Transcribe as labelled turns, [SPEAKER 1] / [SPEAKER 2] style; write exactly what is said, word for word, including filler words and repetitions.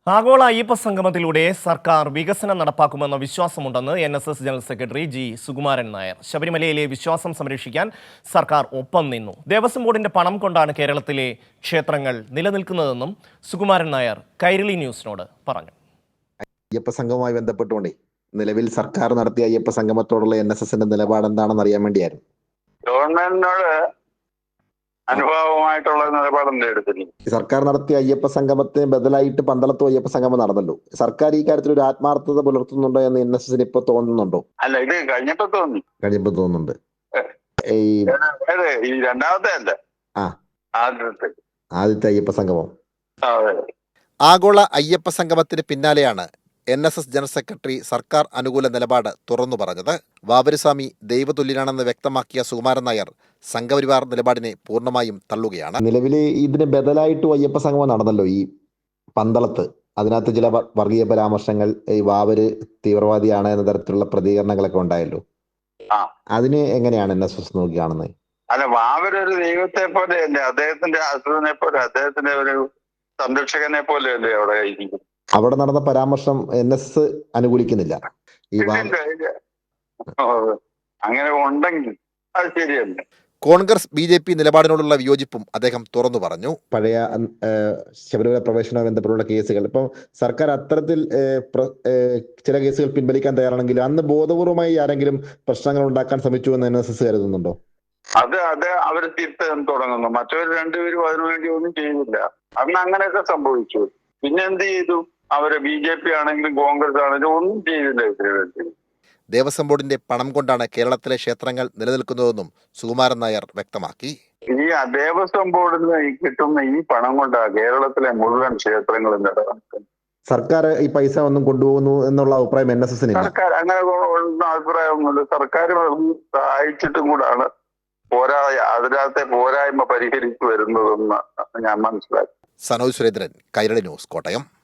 [SPEAKER 1] ആഗോള അയ്യപ്പ സംഗമത്തിലൂടെ സർക്കാർ വികസനം നടപ്പാക്കുമെന്ന വിശ്വാസമുണ്ടെന്ന് N S S general secretary G Sukumaran Nair. ശബരിമലയിലെ വിശ്വാസം സംരക്ഷിക്കാൻ സർക്കാർ ഒപ്പം നിന്നു. ദേവസ്വം ബോർഡിന്റെ പണം കൊണ്ടാണ് കേരളത്തിലെ ക്ഷേത്രങ്ങൾ നിലനിൽക്കുന്നതെന്നും സുകുമാരൻ നായർ കൈരളി ന്യൂസിനോട് പറഞ്ഞു.
[SPEAKER 2] അയ്യപ്പ സംഗമവുമായി ബന്ധപ്പെട്ടുകൊണ്ടേ നിലവിൽ സർക്കാർ നടത്തിയ അയ്യപ്പ സംഗമത്തോടുള്ള എൻ എസ് എസിന്റെ നിലപാട് എന്താണെന്ന് അറിയാൻ വേണ്ടിയായിരുന്നു.
[SPEAKER 3] ഗവൺമെന്റിനോട് അനുഭാവമായിട്ടുള്ള നിലപാടല്ലേ എടുത്തില്ല.
[SPEAKER 2] സർക്കാർ നടത്തിയ അയ്യപ്പ സംഗമത്തിന് ബദലായിട്ട് പന്തളത്തും അയ്യപ്പ സംഗമം നടന്നല്ലോ. സർക്കാർ ഈ കാര്യത്തിൽ ഒരു ആത്മാർത്ഥത പുലർത്തുന്നുണ്ടോ എന്ന് എൻ എസ് എസിന് ഇപ്പൊ തോന്നുന്നുണ്ടോ?
[SPEAKER 3] അല്ല, ഇത് കഴിഞ്ഞപ്പോ തോന്നി
[SPEAKER 2] കഴിഞ്ഞപ്പോ തോന്നുന്നുണ്ട്. ഈ
[SPEAKER 3] ഈ രണ്ടാമത്തെ അല്ല,
[SPEAKER 2] ആ
[SPEAKER 3] ആദ്യത്തെ
[SPEAKER 2] ആദ്യത്തെ അയ്യപ്പ സംഗമം.
[SPEAKER 4] ആഗോള അയ്യപ്പ സംഗമത്തിന് പിന്നാലെയാണ് N S S general secretary സർക്കാർ അനുകൂല നിലപാട് തുറന്നു പറഞ്ഞത്. വാവരുസ്വാമി ദൈവതുല്യനാണെന്ന് വ്യക്തമാക്കിയ സുകുമാരൻ നായർ സംഘപരിവാർ നിലപാടിനെ പൂർണ്ണമായും തള്ളുകയാണ്.
[SPEAKER 2] നിലവിൽ ഇതിന് ബദലായിട്ടും അയ്യപ്പ സംഗമം നടന്നല്ലോ ഈ പന്തളത്ത്. അതിനകത്ത് ചില വർഗീയ പരാമർശങ്ങൾ, ഈ വാവര് തീവ്രവാദിയാണ് എന്ന തരത്തിലുള്ള പ്രതികരണങ്ങളൊക്കെ ഉണ്ടായല്ലോ. അതിന് എങ്ങനെയാണ് എൻ എസ് എസ് നോക്കി കാണുന്നത്?
[SPEAKER 3] അല്ല, വാവരൊരു ദൈവത്തെ പോലെ അല്ലേ, അദ്ദേഹത്തിന്റെ അസുരനെ പോലെ, അദ്ദേഹത്തിന്റെ ഒരു സംരക്ഷകനെ പോലെ അല്ലേ അവിടെ ഇരിക്കും.
[SPEAKER 2] അവിടെ നടന്ന പരാമർശം എൻ എസ് അനുകൂലിക്കുന്നില്ല. ഈ
[SPEAKER 3] അങ്ങനെ ഉണ്ടെങ്കിൽ അത് ശരിയല്ല.
[SPEAKER 4] കോൺഗ്രസ് ബി ജെ പി നിലപാടിനോടുള്ള വിയോജിപ്പും അദ്ദേഹം തുറന്നു പറഞ്ഞു.
[SPEAKER 2] പഴയ ശബരിമല പ്രവേശനവുമായി ബന്ധപ്പെട്ടുള്ള കേസുകൾ ഇപ്പം സർക്കാർ അത്തരത്തിൽ ചില കേസുകൾ പിൻവലിക്കാൻ തയ്യാറാണെങ്കിൽ അന്ന് ബോധപൂർവമായി ആരെങ്കിലും പ്രശ്നങ്ങൾ ഉണ്ടാക്കാൻ ശ്രമിച്ചു എന്ന് എൻ എസ് എസ് കരുതുന്നുണ്ടോ?
[SPEAKER 3] അത് അത് അവര് തിരുത്താൻ തുടങ്ങുന്നു. മറ്റവർ രണ്ടുപേരും അതിനുവേണ്ടി ഒന്നും ചെയ്യുന്നില്ല. അന്ന് അങ്ങനെയൊക്കെ സംഭവിച്ചു. പിന്നെ എന്ത് ചെയ്തു? അവര് ബി ജെ പി ആണെങ്കിലും കോൺഗ്രസ് ആണെങ്കിലും ഒന്നും ചെയ്തില്ല ഇതിനു വേണ്ടി.
[SPEAKER 4] ദേവസ്വം ബോർഡിന്റെ പണം കൊണ്ടാണ് കേരളത്തിലെ ക്ഷേത്രങ്ങൾ നിലനിൽക്കുന്നതെന്നും സുകുമാരൻ നായർ വ്യക്തമാക്കി.
[SPEAKER 3] ഈ ദേവസ്വം ബോർഡിൽ നിന്ന് കിട്ടുന്ന ഈ പണം കൊണ്ടാണ് കേരളത്തിലെ മുഴുവൻ ക്ഷേത്രങ്ങളും നിലനിൽക്കുന്നത്.
[SPEAKER 2] സർക്കാർ ഈ പൈസ ഒന്നും കൊണ്ടുപോകുന്നു എന്നുള്ള അഭിപ്രായം എൻ എസ് എസിന്
[SPEAKER 3] സർക്കാർ അങ്ങനെ അഭിപ്രായമൊന്നുമില്ല. സർക്കാർ സഹായിച്ചിട്ടും കൂടാണ് പോരാ അതിനകത്തെ പോരായ്മ പരിഹരിച്ചു വരുന്നതെന്ന് ഞാൻ മനസ്സിലാക്കി.
[SPEAKER 4] സനോജ് സുരേന്ദ്രൻ, കൈരളി ന്യൂസ്, കോട്ടയം.